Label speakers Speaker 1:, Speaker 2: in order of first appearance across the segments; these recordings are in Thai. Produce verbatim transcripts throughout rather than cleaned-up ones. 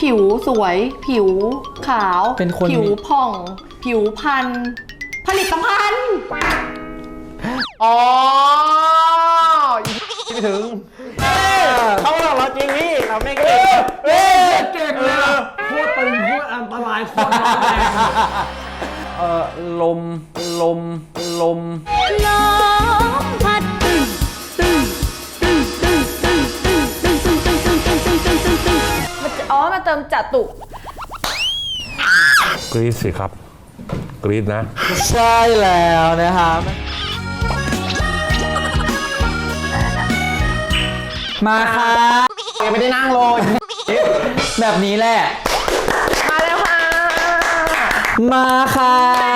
Speaker 1: ผิวสวยผิวขาว
Speaker 2: เป็นคน
Speaker 1: ผิวผ่องผิวพรรณผลิตภัณฑ์
Speaker 3: อ๋อไม่ถึงเขาบอกเราจริงพี่เราไม่เก่งเฮ้ย
Speaker 4: เก่งเลยอะโคตรตึงโคตรอันตรายโคตรร้อนแรง
Speaker 2: เอ่อลมลมลม
Speaker 5: ลมพัดตึ้งตึ้งตึ้งตึ้งตึ้งตึ้งตึ้งตึ้งตึ้งตึ้งตึ้งตึ้งตึ้งตึ้งตึ้งมันจะอ๋อมาเติมจตุ
Speaker 6: กรี๊ดสิครับกรี๊ดนะ
Speaker 2: ใช่แล้วนะครับมาค่ะ
Speaker 3: ยังไม่ได้นั่งลง
Speaker 2: แบบนี้แหละ
Speaker 3: มาแล้วค่ะ
Speaker 2: มาค่ะ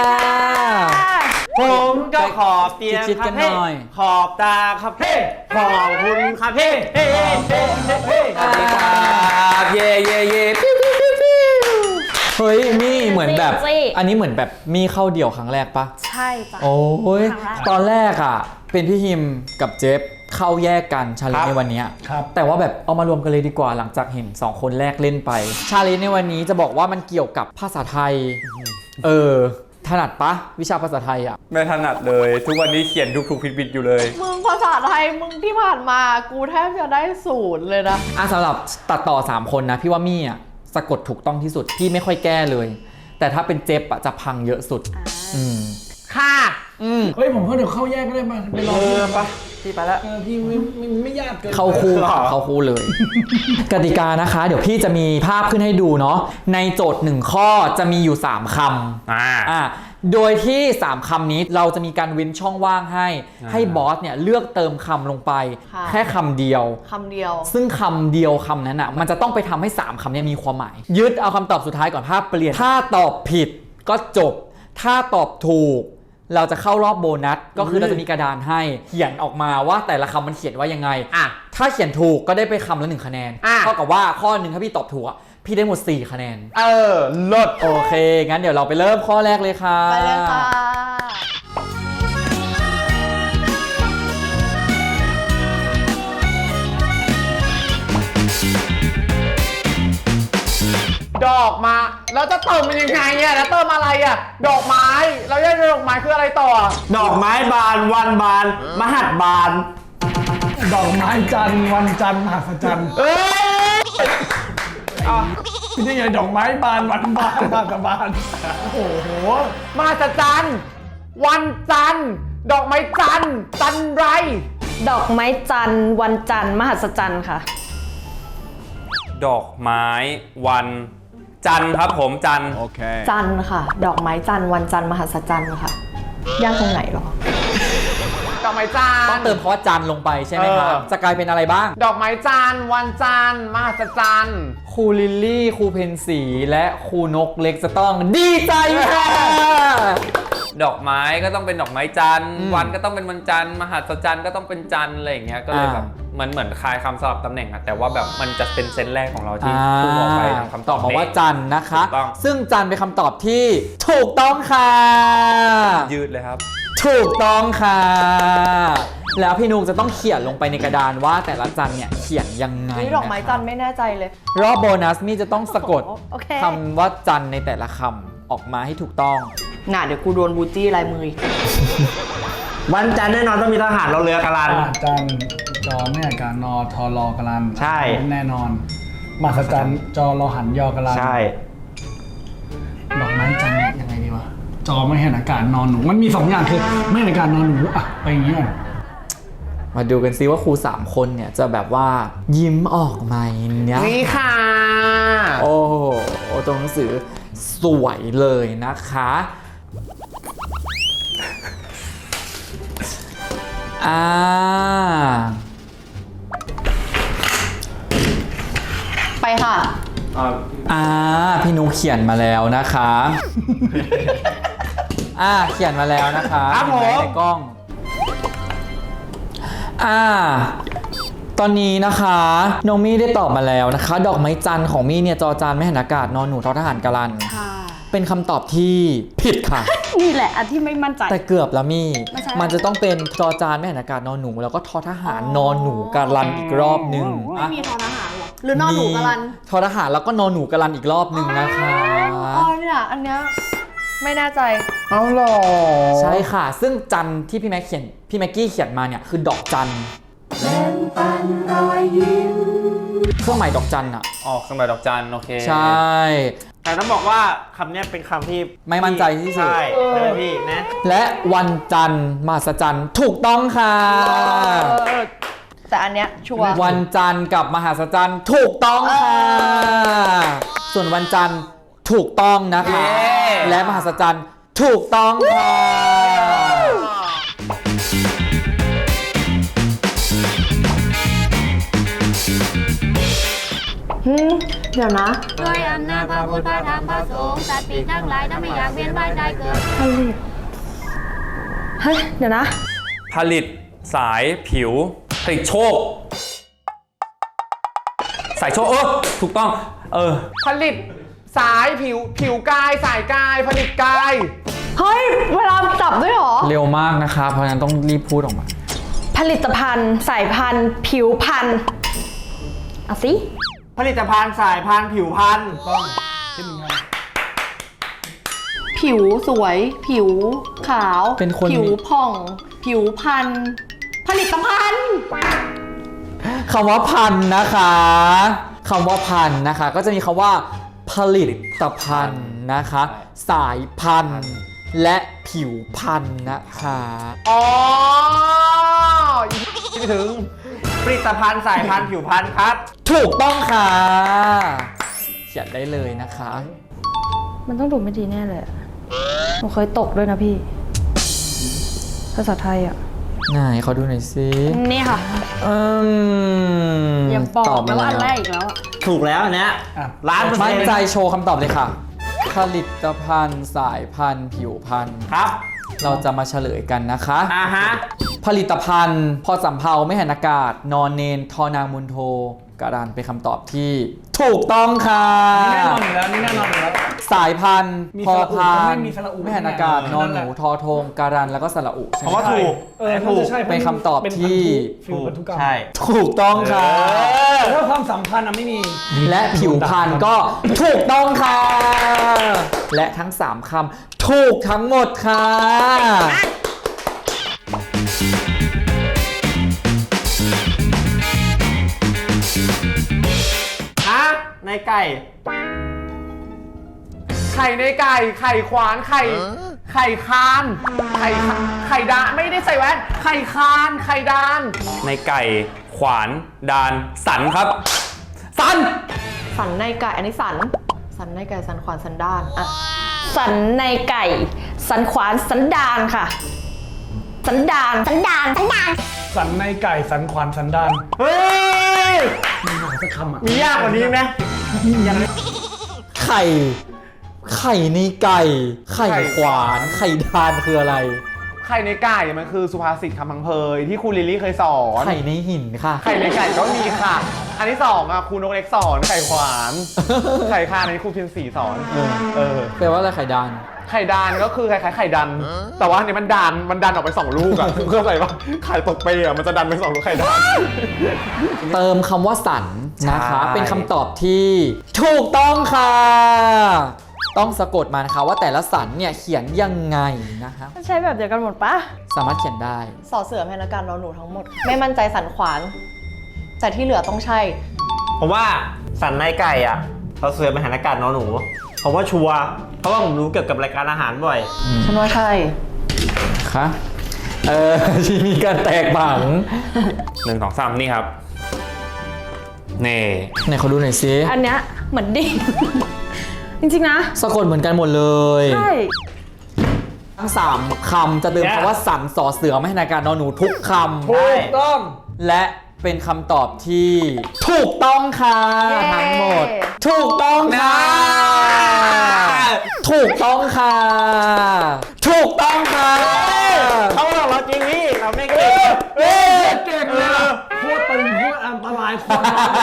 Speaker 3: ผมก็ขอบเตียง
Speaker 2: ชิด
Speaker 3: ค
Speaker 2: ๆ
Speaker 3: รั
Speaker 2: กับ นห
Speaker 3: เพ่
Speaker 2: น่อย
Speaker 3: ขอบตาครับเพ่ขอบคุณครับเพ่เฮ้เฮ้เฮ้เฮ้สวัสดีครับเย่เย่เย่ปิ้วปิ้วปิ้วปิ้ว
Speaker 2: เฮ้ยมี่เหมือนแบบอันนี้เหมือนแบบมี่เข้าเดี่ยวครั้งแรกปะ
Speaker 5: ใช่จ้ะ
Speaker 2: โอ้ย
Speaker 5: ครั้งแรก
Speaker 2: ตอนแรกอ่ะเป็นพี่ฮิมกับเจฟเข้าแยกกันชาเลนจ์ในวันนี้
Speaker 4: ครับ
Speaker 2: แต่ว่าแบบเอามารวมกันเลยดีกว่าหลังจากเห็นสองคนแรกเล่นไปชาเลนจ์ในวันนี้จะบอกว่ามันเกี่ยวกับภาษาไทยเออถนัดปะวิชาภาษาไทยอ่ะ
Speaker 7: ไม่ถนัดเลย ทุกวันนี้เขียนถูกๆผิดๆอยู่เลย
Speaker 1: มึงภาษาไทยมึงที่ผ่านมากูแทบจะได้ศูนย์เลยนะ
Speaker 2: อ่ะสำหรับตัดต่อสามคนนะพี่ว่ามี่อ่ะสะกดถูกต้องที่สุดพี่ไม่ค่อยแก้เลย แต่ถ้าเป็นเจฟอ่ะจะพังเยอะสุดอืม
Speaker 3: ค่ะ
Speaker 2: อืม
Speaker 4: เฮ้ยผมก็เดี๋ยวเข้าแยกก็ได้มาไปลอง
Speaker 3: เออปะพี่ไปแล้ว
Speaker 4: เออพี่ไม่ไม่ไม่ยากเกิน
Speaker 2: เข้าคู่
Speaker 3: หรอ
Speaker 2: เข้าคู่เลย กติกานะคะ เดี๋ยวพี่จะมีภาพขึ้นให้ดูเนาะในโจทย์หนึ่งข้อจะมีอยู่สามคำ
Speaker 7: อ่า
Speaker 2: อ่าโดยที่สามคำนี้เราจะมีการเว้นช่องว่างให้ ให้บอสเนี่ยเลือกเติมคำลงไป
Speaker 1: ค่ะ
Speaker 2: แค่คำเดียว
Speaker 1: คำเดียว
Speaker 2: ซึ่งคำเดียวคำนั้นอ่ะมันจะต้องไปทำให้สามคำนี้มีความหมาย ยึดเอาคำตอบสุดท้ายก่อนภาพเปลี่ยนถ้าตอบผิดก็จบ ถ้าตอบถูก เราจะเข้ารอบโบนัสก็คือเราจะมีกระดานให้เขียนออกมาว่าแต่ละคำมันเขียนว่ายังไง
Speaker 3: อ่ะ
Speaker 2: ถ้าเขียนถูกก็ได้ไปคำละหนึ่งคะแนน
Speaker 3: อ่ะ
Speaker 2: เท่ากับว่าข้อหนึ่งถ้าพี่ตอบถูกอ่ะพี่ได้หมดสี่คะแนน
Speaker 3: เออลด
Speaker 2: โอเค งั้นเดี๋ยวเราไปเริ่มข้อแรกเลยค่ะ
Speaker 1: ไปเลยค่ะ
Speaker 3: ดอกมาแล้วจะเติมมันยังไงเนี่ยแล้วเติมอะไรอ่ะดอกไม้แล้วยังดอกไม้คืออะไรต่อดอกไม้บานวันบานมหัดบาน
Speaker 4: ดอกไม้จันทร์วันจันทร์มหัศจรรย์
Speaker 3: เอ้ย
Speaker 4: นี่ไงดอกไม้บานวันบานมหัศบานโอ้โห
Speaker 3: มหัศจรรย์วันจันทร์ดอกไม้จันทร์จันไร
Speaker 5: ดอกไม้จันทร์วันจันทร์มหัศจรรย์ค่ะ
Speaker 7: ดอกไม้วันจันทร์ครับผมจันทร์
Speaker 1: จันทร์ค่ะ ดอกไม้จันทร์วันจันทร์มหัศจรรย์ค่ะยากตรงไหนหรอ
Speaker 3: ดอกไม้จันทร์
Speaker 2: ต้องเติมคำว่าจันทร์ลงไปใช่ไหมครับ
Speaker 3: เออ
Speaker 2: จะกลายเป็นอะไรบ้าง
Speaker 3: ดอกไม้จันทร์วันจันทร์มหัศจรรย์
Speaker 2: ครูลิลลี่ครูเพนสีและครูนกเล็กจะต้องดีใจค่ะ
Speaker 7: ดอกไม้ก็ต้องเป็นดอกไม้จันทร์
Speaker 2: อืม
Speaker 7: วันก็ต้องเป็นวันจันทร์มหัศจรรย์ก็ต้องเป็นจันทร์อะไรอย่างเงี้ยก็เลย
Speaker 2: อ่า
Speaker 7: แบบเหมือนเหมือนคลายคำสลับตำแหน่งอะแต่ว่าแบบมันจะเป็นเซนส์แรกของเราที่
Speaker 2: อ่า
Speaker 7: พูดออกไปทางคำต
Speaker 2: ต
Speaker 7: อ
Speaker 2: อ
Speaker 7: บบ
Speaker 2: มาว่า
Speaker 7: นี้
Speaker 2: จันทร์นะคะ
Speaker 7: ถูกต้อง
Speaker 2: ซึ่งจันทร์เป็นคำตอบที่ถูกต้องค่ะ
Speaker 7: ยืดเลยครับ
Speaker 2: ถูกต้องค่ะ แล้วพี่นุกจะต้องเขียนลงไปในกระดานว่าแต่ละจันทร์เนี่ยเขียนยังไง
Speaker 1: นี่ดอกไม้จันทร์ไม่แน่ใจเลย
Speaker 2: รอบโบนัสมี่จะต้องสะกด
Speaker 1: โอเค
Speaker 2: คำว่าจันทร์ในแต่ละคำออกมาให้ถูกต้อง
Speaker 1: น่ะเดี๋ยวกูโดนบูจี้ลายมืออีก
Speaker 3: วันจันทร์แน่นอนต้องมีทหารเราเรือกระลัน
Speaker 4: อาจันทร์จอแม่กานอทอรอกรัน
Speaker 3: ใช่
Speaker 4: แน่นอนมหัศจรรย์จอรอหันยอกรัน
Speaker 3: ใช่
Speaker 4: ดอกไม้จันทร์ยังไงดีวะจอไม่เห็นอากาศนอนหนูมันมีสองอย่างคือไม่เห็นอากาศนอนหนูอ่ะไปอย่างเงี้ย
Speaker 2: มาดูกันซิว่าครูสามคนเนี่ยจะแบบว่ายิ้มออกไหมเนี่ย
Speaker 3: นี่ค่ะ
Speaker 2: โอ้โหตัวหนังสือสวยเลยนะคะอ่า
Speaker 1: ไปค่ะ
Speaker 2: อ่าพี่นุกเขียนมาแล้วนะคะอ่าเขียนมาแล้วนะคะ
Speaker 3: ครับผม
Speaker 2: เห็นไหในกล้องอ่าตอนนี้นะคะน้องมี่ได้ตอบมาแล้วนะคะ ดอกไม้จันทร์ของมี่เนี่ยจอจานไม่หันอากาศนอนหนูทอทหารกะลัน
Speaker 5: ค่ะ
Speaker 2: เป็นคำตอบที่ผิดค่ะ
Speaker 5: นี่แหละอันที่ไม่มั่นใจ
Speaker 2: แต่เกือบแล้วมี่
Speaker 5: ไม่ใช่
Speaker 2: มันจะต้องเป็นจอจานไม่หันอากาศนอนหนู แล้วก็ทอทหารนอนหนูกะลันอีกรอบนึง
Speaker 1: ไม่
Speaker 2: อ่ะ
Speaker 1: มีทอทหารหรอหรือนอนหนูกะลัน
Speaker 2: ทอทหารแล้วก็นอนหนูกะลันอีกรอบหนึ่งนะคะ
Speaker 1: อ๋อเนี่ยอันเนี้ยไม่แน่ใจ
Speaker 3: เอาหรอ
Speaker 2: ใช่ค่ะ ซึ่งจันที่พี่แม็กเขียนพี่แม็กกี้เขียนมาเนี่ยคือดอกจันเครื่องหมายดอกจันอะ
Speaker 7: ออกเครื่องหมายดอกจันโอเค
Speaker 2: ใช่
Speaker 3: แต่ต้องบอกว่าคำเนี้ยเป็นคำที่
Speaker 2: ไม่มั่นใจที่สุด
Speaker 3: ใช่เลยพี่นะ
Speaker 2: และวันจันทร์มหัศจรรย์ถูกต้องค่ะ
Speaker 1: เออแต่อันเนี้ยชัวร์
Speaker 2: วันจันทร์กับมหัศจรรย์ถูกต้องค่ะ ส่วนวันจันทร์ถูกต้องนะคะ และมหัศจรรย์ถูกต้องค่ะ
Speaker 1: หืมเดี๋ยวนะ
Speaker 5: ด้วยอำนาจพระพุทธพระธรรมพระสงฆ์สัตว์ปีกทั้งหลายถ้าไม่อยากเวียนว่ายตายเกิด
Speaker 1: ผลิตเฮ้ยเดี๋ยวนะ
Speaker 7: ผลิตสายผิวผลิตโชค สายโชคเออถูกต้องเออ
Speaker 3: ผลิตสายผิวผิวกายสายกายผลิตกาย
Speaker 1: เฮ้ยเวลาจับด้วยเหรอ
Speaker 2: เร็วมากนะคะ เพราะฉะนั้นต้องรีบพูดออกมา
Speaker 1: ผลิตภัณฑ์สายพันธุ์ ผิวพันธุ์เอาสิ
Speaker 3: ผลิตภัณฑ์สายพันธุ์ผิวพันธุ์
Speaker 1: ผิวสวย ผิวขาว
Speaker 2: เป็นคน
Speaker 1: ผิวผ่อง ผิวพันธุ์ผลิตภัณฑ์
Speaker 2: คำว่าพันธุ์นะคะคำว่าพันธุ์นะคะ ก็จะมีคำว่า ผลิตภัณฑ์นะคะ สายพันธุ์และผิวพันธุ์นะคะ
Speaker 3: อ๋อคิดถึงผลิตภัณฑ์สายพันธุ์ผิวพันธุ์ครับ
Speaker 2: ถูกต้องค่ะ เขียนได้เลยนะคะ
Speaker 1: มันต้องดูไม่ดีแน่เลยอะหนูเคยตกด้วยนะพี่ ภาษาไทยอ่ะ
Speaker 2: ไหนเขาดูหน่อยสิ
Speaker 1: นี่ค่ะ
Speaker 2: อืม
Speaker 1: อย่าบอก
Speaker 2: ตอบ
Speaker 1: นะ
Speaker 2: มา
Speaker 1: ว่าอันแร
Speaker 2: แล้ว
Speaker 1: กอีกแล้วอะ
Speaker 3: ถูกแล้วอันเนี้ย
Speaker 4: อ่ะ
Speaker 3: ล้านเปอร์เซ็
Speaker 2: มั่
Speaker 3: น
Speaker 2: น
Speaker 3: ต์
Speaker 2: ใจโชว์คำตอบเลยค่ะ ผลิตภัณฑ์สายพันธุ์ผิวพันธุ์
Speaker 3: ครับ
Speaker 2: เราจะมาเฉลยกันนะคะ
Speaker 3: อ่าฮะ
Speaker 2: ผลิตภัณฑ์ พอสำเภาไม่หันอากาศ นอนเนน ทอนางมุนโทการันเป็นคำตอบที่ถูกต้องค่ะ
Speaker 4: นี่แน่นอนอยู่แล้วนี่แน่นอนอยู่แล้ว
Speaker 2: สายพันธุ์
Speaker 4: มี
Speaker 2: พอ
Speaker 4: สระอุ
Speaker 2: พา
Speaker 4: ไม่
Speaker 2: น
Speaker 4: มีสระอุ
Speaker 2: ไม่หันอากาศ นอนหนู ทอทงการันแล้วก็สระอุใช่
Speaker 3: เพ
Speaker 2: ไหม
Speaker 3: ราะว่าถูก
Speaker 4: เออ
Speaker 3: ถูก
Speaker 4: น่าจะใช่
Speaker 2: เป็นคำตอบที่
Speaker 4: ฟิลพันธุกรรม
Speaker 3: ใช่
Speaker 2: ถูกต้องค่ะ
Speaker 4: แต่ถ้าความสัมพันธ์อะไม่มี
Speaker 2: และผิวพรรณก็ถูกต้องค่ะ และทั้งสามคำถูกทั้งหมดค่ะ
Speaker 3: ฮะในไก่ ไข่ในไก่ ไข่ขวาน ไข่ ไข่คาน ไข่คาไข่ดานไม่ได้ใส่แว่น ไข่คาน ไข่ดาน
Speaker 7: ในไก่ขวานดานสันครับ สัน
Speaker 1: สันในไก่อันนี้สัน สันในไก่สันขวานสันดานอะสันในไก่ สันขวานสันดานค่ะ สันดานสันดานสันดาน
Speaker 4: สันในไก่สันขวานสันดาน
Speaker 3: เฮ้ย
Speaker 4: มีหาสักคำอ่ะ
Speaker 3: มียากกว่านี้ไหม
Speaker 2: ไข่ ไข่ในไก่ ไข่ขวาน ไข่ดานคืออะไร
Speaker 3: ไข่ในไก่มันคือสุภาษิตคำพังเพยที่ครูลิลลี่เคยสอน
Speaker 2: ไข่ในหินค่ะ
Speaker 3: ไข่ในไก่ก็มีค่ะ อันที่สองอ่ะครูนกเล็กสอนไข่ขวาน ไข่คานอันนี้ครูเพียรศรีสอน
Speaker 2: เออ
Speaker 3: เออ
Speaker 2: แปลว่าอะไรไข่ดาน
Speaker 3: ไข่ดานก็คือคล้ายๆไข่ดัน แต่ว่าอันนี้มันดัน มันดันออกไปสองลูกอ่ะ เข้าใจปะไข่ตกเปย์อ่ะมันจะดันไปสองลูกไข่ดัน
Speaker 2: เติมคำว่าสันนะคะ
Speaker 3: ใช่
Speaker 2: เป็นคำตอบที่ถูกต้องค่ะ ต้องสะกดมานะคะว่าแต่ละสันเนี่ยเขียนยังไงนะคะ
Speaker 1: มันใช้แบบเดียวกันหมดปะ
Speaker 2: สามารถเขียนได้
Speaker 1: สอเสือแพนการนอนหนูทั้งหมด ไม่มั่นใจสันขวาน แต่ที่เหลือต้องใช่
Speaker 3: ผมว่าสันในไก่อ่ะเราเสือมหันอากาศนอนหนูผมว่าชัวร์เพราะว่าผมรู้เกี่ยวกับรายการอาหารบ่อย
Speaker 1: ฉันว่าใช่
Speaker 2: คะเออ ที่มีการแตกบัง
Speaker 7: หนึ่งสองสามนี่ครับ นี่
Speaker 2: ไหนเขาดูหน่อยซิ
Speaker 1: อันเนี้ยเหมือนดิ่ง จริงๆนะ
Speaker 2: สะกดเหมือนกันหมดเลย
Speaker 1: ใช่
Speaker 2: ทั้งสามคำจะเติม
Speaker 3: เนี่ย
Speaker 2: คำว่าสันสอเสือไม่ให้นาการนอนหนูทุกค
Speaker 4: ถูกต้อง
Speaker 2: ำและเป็นคำตอบที่ถูกต้องค่ะ
Speaker 1: เย้
Speaker 2: ทั้งหมด ถูกต้องค่ะ ถูกต้องค่ะ ถูกต้องค่ะ
Speaker 3: เขาบอกเราจริงนี่เราไม่เก่ง
Speaker 4: เอ้ยเก่งเลยอะโคตรตึงโคตรอันตรายโคตรร้อนแรง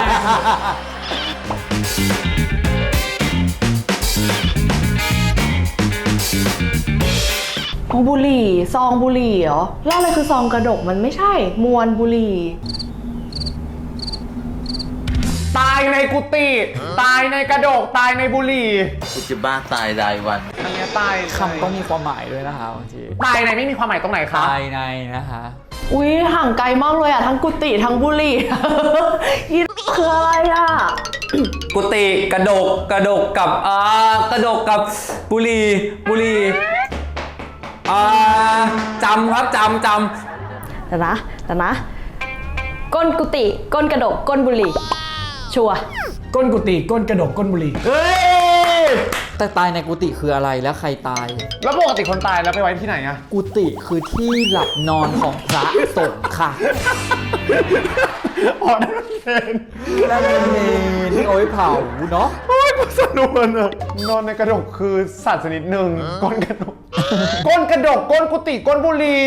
Speaker 1: อ๋อบุหรี่ซองบุหรี่เหรอแล้วอะไรคือซองกระดกมันไม่ใช่ มวนบุหรี่
Speaker 3: ตาายในกุฏิตายในกระโดกตายในบุหรี่
Speaker 8: กูจะบ้าตายรายวัน
Speaker 3: อันเนี้ยตาย
Speaker 2: คำต้องมีความหมายด้วยนะคะบางที
Speaker 3: ตายในไม่มีความหมายตรงไหนคะ
Speaker 2: ตายในนะคะ
Speaker 1: อุ้ยห่างไกลมากเลยอ่ะ ทั้งกุฏิทั้งบุหรี่ อีคืออะไรอ่ะ
Speaker 7: กุฏิกระดกกระดกกับอ่ากระดกกับบุหรีบุหรีอ่าจำครับจำจ
Speaker 1: แต่นะแต่นะ ก้นกุฏิก้นกระดกก้นบุหรี่ ชัวร์
Speaker 4: ก้นกุฏิก้นกระดกก้นบุหรี่
Speaker 3: เฮ้ย
Speaker 2: แต่ตายในกุฏิคืออะไรและใครตาย
Speaker 3: แล้วปกติคนตายแล้วไปไว้ที่ไหนอะ
Speaker 2: กุฏิคือที่หลับนอนของพระสงฆ์ค่ะ
Speaker 3: อ๋อนั่นเป็น
Speaker 2: นั่นเป็นเมนที่เอาไว้เผาเนาะ
Speaker 3: โอ้ยกูสนุกอะนอนในกระดกคือสัตว์ชนิดหนึ่งก้นกระดก ก้นกระดกก้นกุฏิก้นบุหรี่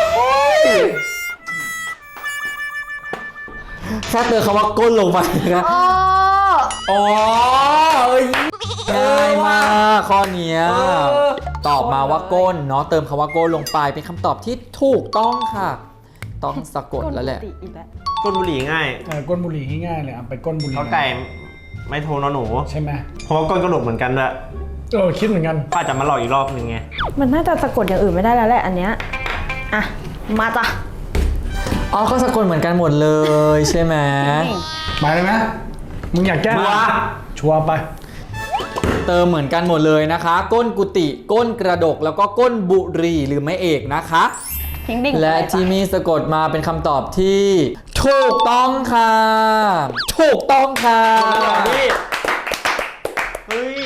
Speaker 2: แค่เติมคำว่าก้นลงไปนะ
Speaker 1: อ๋อ
Speaker 2: อ๋อเอ้ยง่ายมากข้อเนี้ยตอบมาว่าก้นเนาะเติมคำว่าก้นลงไปเป็นคำตอบที่ถูกต้องค่ะ ต้องสะกดแล้วแหละ
Speaker 1: ก้นกุฏิอีกแล้ว
Speaker 3: ก้นบุหรี่ง่าย
Speaker 4: เออก้นบุหรี่ง่ายๆเลยอ่ะไปก้นบุหรี่
Speaker 3: เขาไก่ไม่โทรนอนหนู
Speaker 4: ใช่ไหม
Speaker 3: เพราะว่าก้นกระดกเหมือนกันด้วย
Speaker 4: เออคิดเหมือนกัน
Speaker 3: ป้าจะมาหลอกอีกรอบนึงไง
Speaker 1: มันน่าจะสะกดอย่างอื่นไม่ได้แล้วแหละอันเนี้ย อ่ะ มาจ้ะ
Speaker 2: อ๋อก็สะกดเหมือนกันหมดเลยใช่ไหม
Speaker 4: ไปเลยไหมมึงอยากแก้
Speaker 3: ชัวร์
Speaker 4: ชัวร์ไป
Speaker 2: เติมเหมือนกันหมดเลยนะคะ ก้นกุฏิก้นกระดกแล้วก็ก้นบุหรี่หรือไม่เอกนะคะ
Speaker 1: ทิ้งดิ่ง
Speaker 2: และ
Speaker 1: ไปจ้
Speaker 2: ที่มีสะกดมาเป็นคำตอบที่ถูกต้องค่ะ ถูกต้องค่ะ
Speaker 3: เฮ้ย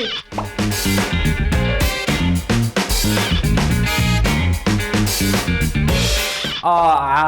Speaker 7: ำเอ่ออ่า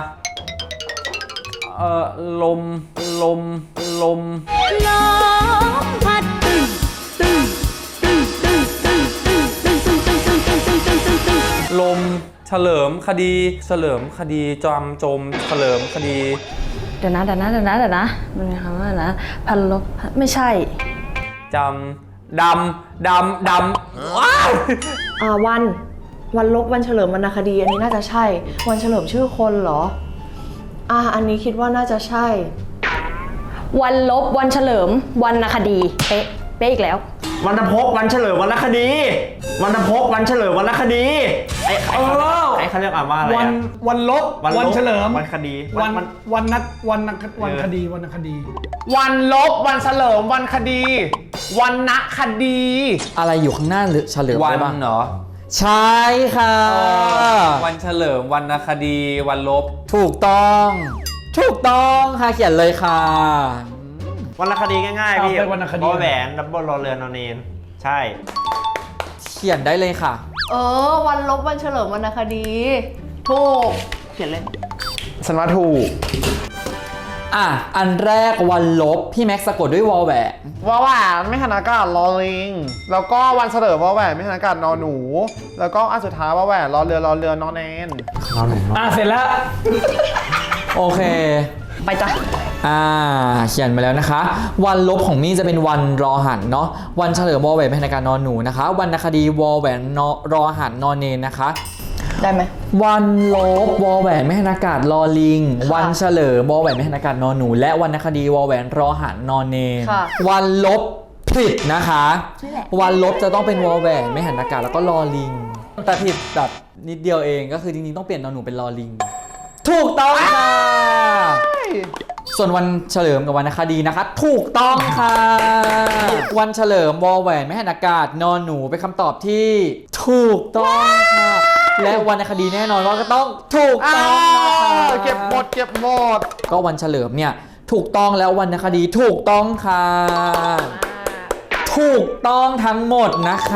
Speaker 7: เอ่อลมลมลม
Speaker 5: ลมพัดตึ้งตึ้งตึ้งตึ้งตึ้งตึ้งตึ้งตึ้งตึ้งตึ้งตึ้งตึ้งตึ้งตึ้งตึ้ง
Speaker 7: ลมเฉลิมคดี เฉลิมคดีจำจมเฉลิมคดี
Speaker 1: เดี๋ยวนะเดี๋ยวนะเดี๋ยวนะเดี๋ยวนะมันมีคำว่าอะไรนะพันลบไม่ใช่
Speaker 7: จำดำดำดำว้าว
Speaker 1: อ่าวัน วันลบวันเฉลิมวรรณคดี อันนี้น่าจะใช่ วันเฉลิมชื่อคนเหรอ อ่าอันนี้คิดว่าน่าจะใช่ วันลบวันเฉลิมวรรณคดี เป๊ะ เป๊ะอีกแล้ว
Speaker 3: วันพกวันเฉลิมวันละคดี วันพกวันเฉลิมวันละคดีไอ้ไอ้ไอ้เขาเรียกอ่านว่าอะไร
Speaker 4: วัน
Speaker 3: อะ
Speaker 4: วันลบ
Speaker 3: วันลบ
Speaker 4: วันเฉลิม
Speaker 3: วันคดี
Speaker 4: วัน
Speaker 3: วัน
Speaker 4: วันนัดวันนัดวัน
Speaker 3: เออ
Speaker 4: คดีวันคดี
Speaker 3: วันลบวันเฉลิมวันคดี วันณคดี
Speaker 2: อะไรอยู่ข้างหน้าหรือเฉลิม
Speaker 7: วัน
Speaker 2: ได้บ้าง
Speaker 7: เหรอ
Speaker 2: ใช่ค่ะ
Speaker 7: วันเฉลิมวรรณคดีวันลบ
Speaker 2: ถูกต้อง ถูกต้องค่ะเขียนเลยค่ะ
Speaker 3: วันละคดีง่ายๆพี่
Speaker 4: เอาไปวรรณคดี
Speaker 3: บอแหวนดับเบิลรอเรือนอนเนนใช่
Speaker 2: เขียนได้เลยค่ะ
Speaker 1: เออ วันลบวันเฉลิมวรรณคดี ถูก เขียนเลย
Speaker 3: ฉันว่าถูก
Speaker 2: อ่ะ อันแรกวันลบ พี่แม็กซ์สะกดด้วยวอลแหวน
Speaker 3: วอแหวนไม่หันอากาศรอลิง แล้วก็วันเฉลิมวอแหวนไม่หันอากาศนอหนู แล้วก็อันสุดท้ายวอแหวนรอเรือรอเรือนอนเนน
Speaker 4: อ่ะเสร็จแล้ว
Speaker 2: โอเค
Speaker 1: ไปจ้ะ
Speaker 2: อ่า เขียนมาแล้วนะคะ วันลบของมี่จะเป็นวันรอหันเนาะ วันเฉลิมวอลแหวนเป็นการนอนหนูนะคะ วันนคดีวอลแหวนนอรอหันนอนเนนนะคะ
Speaker 1: ได้ไหม
Speaker 2: วันลบวอลแหวนไม่หันอากาศรอลิง
Speaker 1: ค่ะ
Speaker 2: วันเฉลิมวอลแหวนไม่หันอากาศนอนหนู และวันนคดีวอลแหวนรอหันนอนเนน
Speaker 1: ค่ะ
Speaker 2: วันลบผิดนะคะ
Speaker 1: นี่แหละ
Speaker 2: วันลบจะต้องเป็นวอลแหวนไม่หันอากาศแล้วก็รอลิง แต่ผิดแบบนิดเดียวเองก็คือจริงๆต้องเปลี่ยนนอนหนูเป็นรอลิง ถูกต้องค่ะ ส่วนวันเฉลิมกับวันนคดีนะคะ ถูกต้องค่ะ วันเฉลิมวอลแหวนไม่หันอากาศนอนหนูเป็นคำตอบที่ถูกต้องค่ะ และวันนคดีแน่นอนว่าก็ต้องถูกต้องนะคะ
Speaker 3: เก็บหมดเก็บหมด
Speaker 2: ก็วันเฉลิมเนี่ยถูกต้องแล้ววันนคดีถูกต้องค่ะ ถูกต้องทั้งหมดนะคะ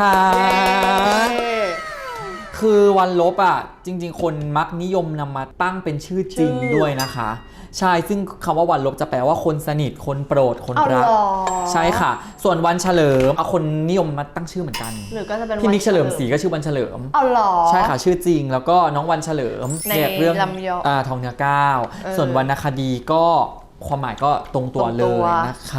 Speaker 2: คือวันลบอ่ะจริงๆ คนมักนิยมนำมาตั้งเป็นชื่อจริงด้วยนะคะ ใช่ซึ่งคำว่าวันลบจะแปลว่าคนสนิทคนโปรดคน
Speaker 1: เอา
Speaker 2: รัก
Speaker 1: เหรอ
Speaker 2: ใช่ค่ะ ส่วนวันเฉลิมเอาคนนิยมมาตั้งชื่อเหมือนกัน
Speaker 1: หรือก็จะเป็น
Speaker 2: พี่
Speaker 1: วัน
Speaker 2: นิกเฉลิมศรีก็ชื่อวันเฉลิม
Speaker 1: เอาเหรอ
Speaker 2: ใช่ค่ะชื่อจริงแล้วก็น้องวันเฉลิม
Speaker 1: ใน
Speaker 2: เกี่ยวกับเรื่อง
Speaker 1: ลำยอง
Speaker 2: อ่าทองเนื้อก้าว
Speaker 1: เออ
Speaker 2: ส่วนวรรณคดีก็ความหมายก็ตรงตัว
Speaker 1: ตรง
Speaker 2: เล
Speaker 1: ตั
Speaker 2: ยว นะคะ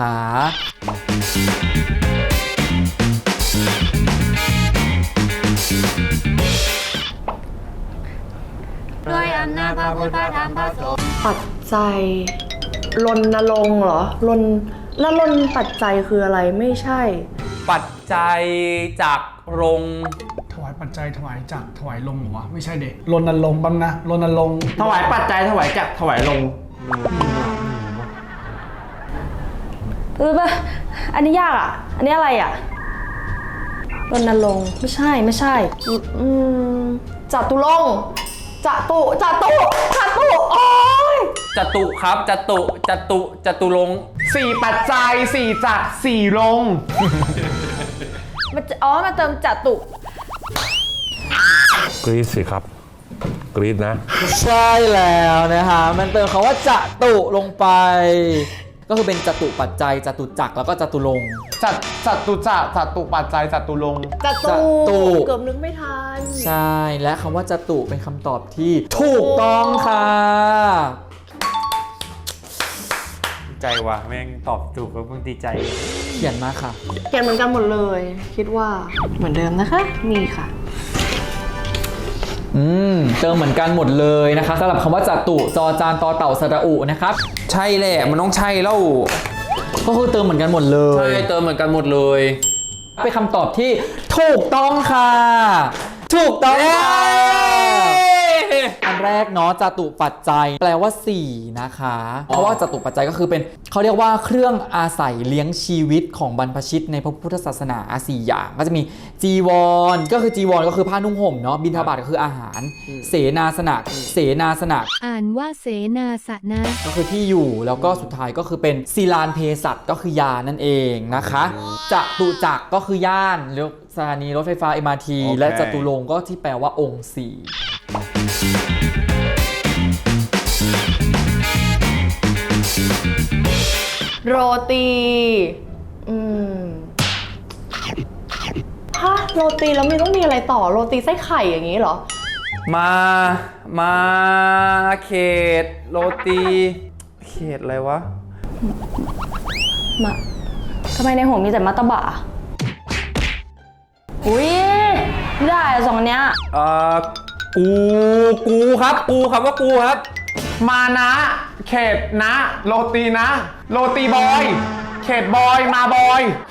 Speaker 5: ด้วยอำนาจพระพุทธพระธรรมพระสงฆ์
Speaker 1: ปัจจัยรณรงค์เหรอรนแล้วลนปัจจัยคืออะไรไม่ใช่
Speaker 7: ปัจจัยจากรง
Speaker 4: ถวายปัจจัยถวายจักรถวายลงเหรอวะไม่ใช่เด็กรณรงค์บ้างนะรณรงค์
Speaker 3: ถวายปัจจัยถวายจักรถวายลง
Speaker 1: เออปะอันนี้ยากอ่ะ อันนี้อะไรอ่ะรณรงค์ไม่ใช่ไม่ใช่อืมจตุรงค์จตุจตุจตุโอ้ย
Speaker 7: จตุครับจตุจตุจตุรงค์
Speaker 3: สี่ปัจจัยสี่จักรสี่ลง
Speaker 1: มันจะอ๋อมาเติมจตุ
Speaker 6: กรี๊ดสิครับ กรี๊ดนะ
Speaker 2: ใช่แล้วนะคะมันเติมคำว่าจตุลงไป ก็คือเป็นจตุปัจจัยจตุจักรแล้วก็จตุรงค์
Speaker 3: จัดจัตุจะจัตุปัจจัยจัตุลง
Speaker 1: จตุ
Speaker 2: จตุ
Speaker 1: เกือบนึกไม่ทัน
Speaker 2: ใช่และคำว่าจตุเป็นคำตอบที่ถูกต้องค่ะ
Speaker 7: ใจว่ะแม่งตอบถูกแล้วมึงดีใจ
Speaker 2: เขียนมาค่ะ
Speaker 1: เขียนเหมือนกันหมดเลย คิดว่าเหมือนเดิมนะคะ มีค่ะ
Speaker 2: อืมเติมเหมือนกันหมดเลยนะคะสำหรับคำว่าจตุจอจานตอเต่าสระอุนะครับ
Speaker 7: ใช่แหละมันต้องใช่แล้ว
Speaker 2: ก็คือเติมเหมือนกันหมดเล
Speaker 7: ใช่
Speaker 2: ย
Speaker 7: เติมเหมือนกันหมดเลย
Speaker 2: เป็นคำตอบที่ถูกต้องค่ะ ถูกต้องค่ะอันแรกเนาะจตุปัจจัยแปลว่าสี่นะคะ เพราะว่าจตุปัจจัยก็คือเป็นเขาเรียกว่าเครื่องอาศัยเลี้ยงชีวิตของบรรพชิตในพระพุทธศาสนาสี่อย่างก็จะมีจีวรก็คือจีวรก็คือผ้านุ่งห่มเนาะบิณฑบาตก็คืออาหาร เสนาสนะเสนาสนะ
Speaker 5: อ่านว่าเสนาสนะ
Speaker 2: ก็คือที่อยู่แล้วก็สุดท้ายก็คือเป็นศิลานเพศัตก็คือยานั่นเองนะคะจตุจักรก็คือย่านหรือสถานีรถไฟฟ้า เอ็ม อาร์ ที
Speaker 3: โอเค
Speaker 2: และจตุรงค์ก็ที่แปลว่าองค์สี่
Speaker 1: โรตีอืมฮะโรตีแล้วมีต้องมีอะไรต่อโรตีไส้ไข่อย่างนี้เหรอ
Speaker 7: มามาเขตโรตีเขตอะไรวะ
Speaker 1: มาทำไมในหัวมีแต่มัตตบะอุ้ยไม่ได้อะสองอันเนี้ย
Speaker 7: เอ่อกูกูครับกูครับว่ากูครับ
Speaker 3: มานะเขตนะโรตีนะโรตีบอย เขตบอยมาบอย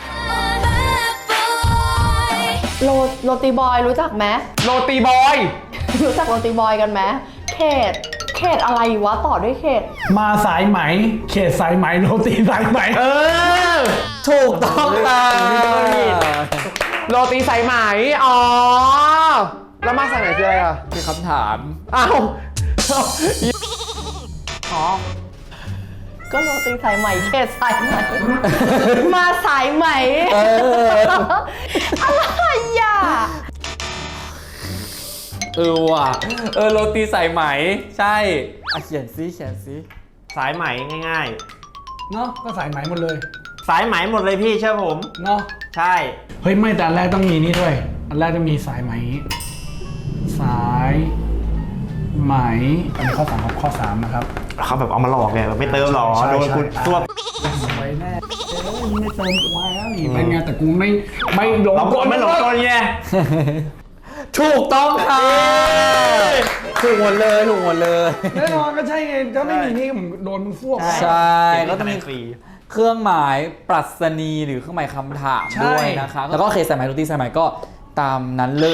Speaker 1: โรโรตีบอยรู้จักไหม
Speaker 3: โรตีบอย
Speaker 1: รู้จักโรตีบอยกันไหมเขตเขตอะไรวะต่อด้วยเขต
Speaker 4: มาสายไหมเขตสายไหมโรตีสายไหม
Speaker 3: เออ
Speaker 2: ถูกต้องค่ะ
Speaker 3: โรตีสายไหมอ๋อแล้วมาสายไหนคืออะไรอ่ะ
Speaker 2: เป็นคำถาม
Speaker 3: อ้าว
Speaker 1: อ๋อก็โรตีสายไหมเขตสายไหม มาสายไหม
Speaker 2: เออ
Speaker 1: อะไรอ่ะ
Speaker 7: เออว่ะเออโรตีสายไหมใช่
Speaker 2: อ่ะเขียนซิเขียนซิ
Speaker 3: สายไหมง่าย
Speaker 4: เนาะก็สายไหมหมดเลย
Speaker 3: ๆ สายไหมหมดเลยพี่เชื่อผม
Speaker 4: เนาะ
Speaker 3: ใช่
Speaker 4: เฮ้ยไม่แต่อันแรกต้องมีนี่ด้วยอันแรกต้องมีสายไหม สายไหมอันนี้ข้อสามครับข้อสามนะครับ
Speaker 3: เขาแบบเอามาหลอกไงแบบไม่เติมหรอ
Speaker 4: ใช่
Speaker 3: โดนคุณ
Speaker 4: ใช่
Speaker 3: ตัว
Speaker 4: ไว้แน่เอ้ยไม่เติมกูมาแล้วนี่เป็นไงแต่กูไม่ไม่หลง
Speaker 3: เรากดไม่หลงกลไง
Speaker 2: ถูกต้องค่ะถูกหมดเลยถูกหมดเลย
Speaker 4: แน่นอนก็ใช่ไงถ้าไม่มีนี่ผมโดนมึงฟวก
Speaker 2: ใช่ก็
Speaker 3: ก็
Speaker 2: จะ
Speaker 3: จะ
Speaker 2: มี
Speaker 3: มีฟรี
Speaker 2: เครื่องหมายปรัชนีหรือเครื่องหมายคำถาม
Speaker 4: ใช่
Speaker 2: ด้วยนะคะ แล้วก็เคสสายไหมโรตีสายไหมก็ตามนั้นเลย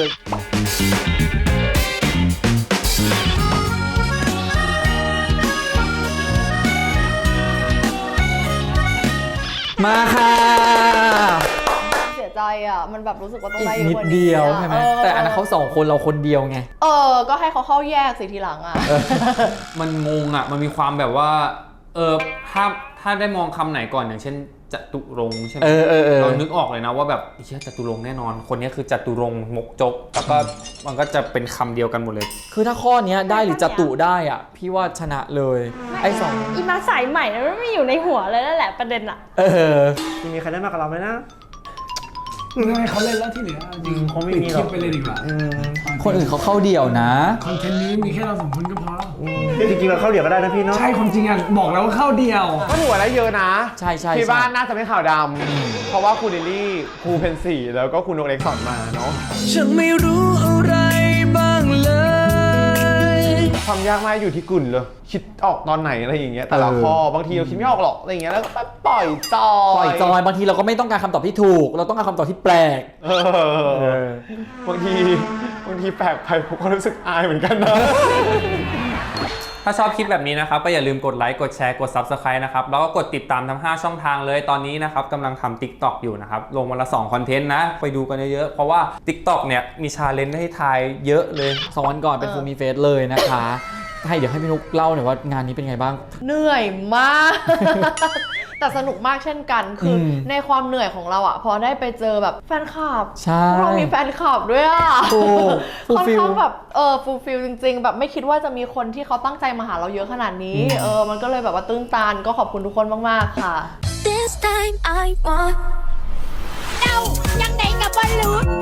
Speaker 2: มาค่ะ
Speaker 1: เสียใจอ่ะ มันแบบรู้สึกว่าต้อง
Speaker 2: อีก
Speaker 1: ได้เยอะ
Speaker 2: นิด
Speaker 1: กว่านี้
Speaker 2: เดียว
Speaker 1: อะ
Speaker 2: ใช่ไหม
Speaker 1: เ
Speaker 2: แต่อันนั้นเขาสองคนเราคนเดียวไง
Speaker 1: เออ ก็ให้เขาเข้าแยกสิทีหลังอ่ะ
Speaker 7: มันงงอ่ะมันมีความแบบว่าเออถ้าถ้าได้มองคำไหนก่อนอย่างเช่นจตุรงค์ใช่ไหม
Speaker 2: เออเออเออ
Speaker 7: เรานึกออกเลยนะว่าแบบเชื่อจตุรงค์แน่นอน คนนี้คือจตุรงค์มกจกแล้วก็มันก็จะเป็นคำเดียวกันหมดเลย
Speaker 2: คือถ้าข้อเนี้ยได้หรือจตุได้อ่ะ พี่ว่าชนะเลย ไอ้สอง
Speaker 1: อีมาสายใหม่นะมันไม่อยู่ในหัวเลยนั่นแหละประเด็นอ่ะ
Speaker 2: เออ
Speaker 3: ไม่มีใครได้มากกับเราไหมนะ
Speaker 4: ให้เขาเล่นแล้วที่เหลือจริง
Speaker 3: คงไม่
Speaker 4: ปิด
Speaker 3: มี
Speaker 4: ค
Speaker 3: หร
Speaker 4: ลิ
Speaker 3: อก
Speaker 4: ปไปเลยดีกว่า
Speaker 2: คนอื่นเขาเข้าเดี่ยวนะ
Speaker 4: คอนเทนต์นี้มีแค่เราสองคนก็พอ
Speaker 3: จริงๆเราเข้าเดี๋ยวก็ได้นะพี่เนาะ
Speaker 4: ใช่ความจริงอ่ะบอกแล้วว่าเข้าเดียว
Speaker 3: ก็ถือว่าได้เยอะนะ
Speaker 2: ใช่ใช่
Speaker 3: ที่
Speaker 2: ใช่
Speaker 3: บ้านน่าจะไม่ข่าวดำเพราะว่าครูเดลี่ครูเพนสีแล้วก็ครูนกเล็กสอนมาเนาะ
Speaker 7: ฉันไม่รู้อะไรบ้างเลย
Speaker 3: ความยากมากอยู่ที่กุ่นเลยคิดออกตอนไหนอะไรอย่างเงี้ยแต่ละ
Speaker 2: เออ
Speaker 3: ข้อบางทีเราคิดไม่ออกหรอกอะไรอย่างเงี้ยแล้วก็แบบปล่อยจอย
Speaker 2: ปล่อยจอยบางทีเราก็ไม่ต้องการคำตอบที่ถูก เราต้องการคำตอบที่แปลก
Speaker 3: เออบางทีบางทีแปลกไปผมก็รู้สึกอายเหมือนกันนะ
Speaker 7: ถ้าชอบคลิปแบบนี้นะครับก็อย่าลืมกดไลค์กดแชร์กด ซับสไครบ์ นะครับแล้วก็กดติดตามทั้งห้าช่องทางเลยตอนนี้นะครับกำลังทำ ติ๊กต็อก อยู่นะครับลงวันละสองคอนเทนต์นะไปดูกันเยอะๆเพราะว่า ติ๊กต็อก เนี่ยมีชาเลนจ์ให้ทายเยอะเลย
Speaker 2: สองวันก่อนเป็นฟูมีเฟสเลยนะคะ ให้เดี๋ยวให้พี่นุกเล่าหน่อยว่างานนี้เป็นไงบ้าง
Speaker 1: เหนื่อยมาก แต่สนุกมากเช่นกัน คืออ
Speaker 2: ม
Speaker 1: ในความเหนื่อยของเราอ่ะ พอได้ไปเจอแบบแฟนคลับ
Speaker 2: ใช่
Speaker 1: พวกเรามีแฟนคลับด้วยอ่ะ
Speaker 2: ถูก
Speaker 1: ค่อน
Speaker 2: fulfill
Speaker 1: ข้างแบบเออฟูลฟิลจริง ๆ แบบไม่คิดว่าจะมีคนที่เขาตั้งใจมาหาเราเยอะขนาดนี้ เออ มันก็เลยแบบว่าตื้นตันก็ขอบคุณทุกคนมากๆค่ะ
Speaker 5: This time I want เดายังไงกับบอลลูน